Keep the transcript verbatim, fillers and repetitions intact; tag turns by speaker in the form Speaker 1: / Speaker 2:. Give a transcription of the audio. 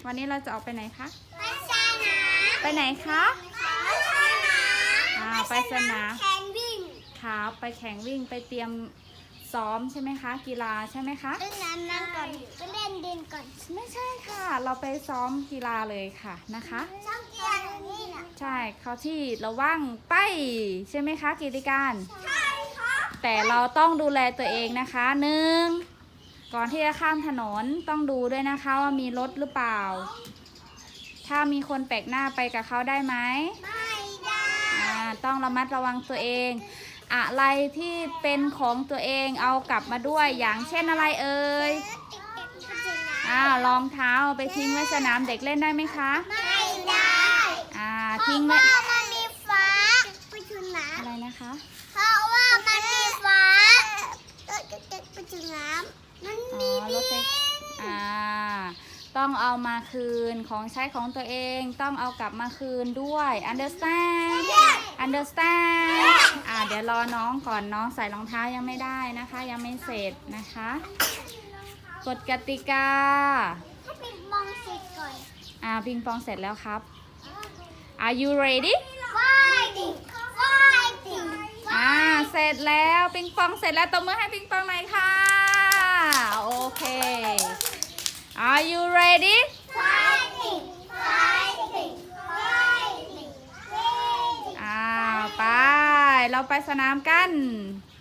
Speaker 1: วันนี้เราจะออกไปไหนคะ
Speaker 2: ไปสนาม
Speaker 1: ไปไหนคะ
Speaker 2: ไปสนาม
Speaker 1: อ่าไปสนาม
Speaker 2: แข่งวิ่ง
Speaker 1: ครับไปแข่งวิ่งไปเตรียมซ้อมใช่ไหมคะ กีฬาใช่ไหมคะ
Speaker 2: เล่นน้ำนั่งก่อนไปเล่นดินก่อน
Speaker 1: ไม่ใช่ค่ะ เราไปซ้อมกีฬาเลยค่ะนะคะ
Speaker 2: ช่องเกียร์นี่นะ
Speaker 1: ใช่เขาที่ระว่างไปใช่ไหมคะกิติการ
Speaker 2: ใช่ครับ
Speaker 1: แต่เราต้องดูแลตัวเองนะคะหนึ่งก่อนที่จะข้ามถนนต้องดูด้วยนะคะว่ามีรถหรือเปล่า ถ้ามีคนแปลกหน้าไปกับเขาได้ไหม
Speaker 2: ไม่ได้
Speaker 1: อ่าต้องระมัดระวังตัวเอง อะไรที่เป็นของตัวเองเอากลับมาด้วยอย่างเช่นอะไรเอ่ย
Speaker 2: เด็กๆไปสนาม
Speaker 1: อ้าวรองเท้าเอาไปทิ้งไว้สนามเด็กเล่นได้ไหมคะ
Speaker 2: ไม่ได้
Speaker 1: อ่า
Speaker 2: เพ
Speaker 1: ทิ้
Speaker 2: ราะ
Speaker 1: งไว้
Speaker 2: ว่ามันมีฟ้าไปสนาม
Speaker 1: อะไรนะคะ
Speaker 2: เพราะว่ามันมีฟ้าเด็กๆไปสนามมัน
Speaker 1: อ๋
Speaker 2: มี
Speaker 1: อรถไฟอ่า ต้องเอามาคืนของใช้ของตัวเองต้องเอากลับมาคืนด้วย understand understand อ่าเดี๋ยวรอน้องก่อนน้องใส่รองเท้ายังไม่ได้นะคะ ยังไม่เสร็จนะคะกฎกติกา
Speaker 2: ให้เป็นมองเสร็จก่อน
Speaker 1: อ่าปิงปองเสร็จแล้วครับ Are you ready
Speaker 2: ว่ายดิว่ายดิ
Speaker 1: อ่าเสร็จแล้วปิงปองเสร็จแล้วตบมือให้ปิงปองหน่อยค่ะโอเค Are you ready
Speaker 2: ว่ายดิว่ายดิว่ายดิ
Speaker 1: อ่าไปเราไปสนามกัน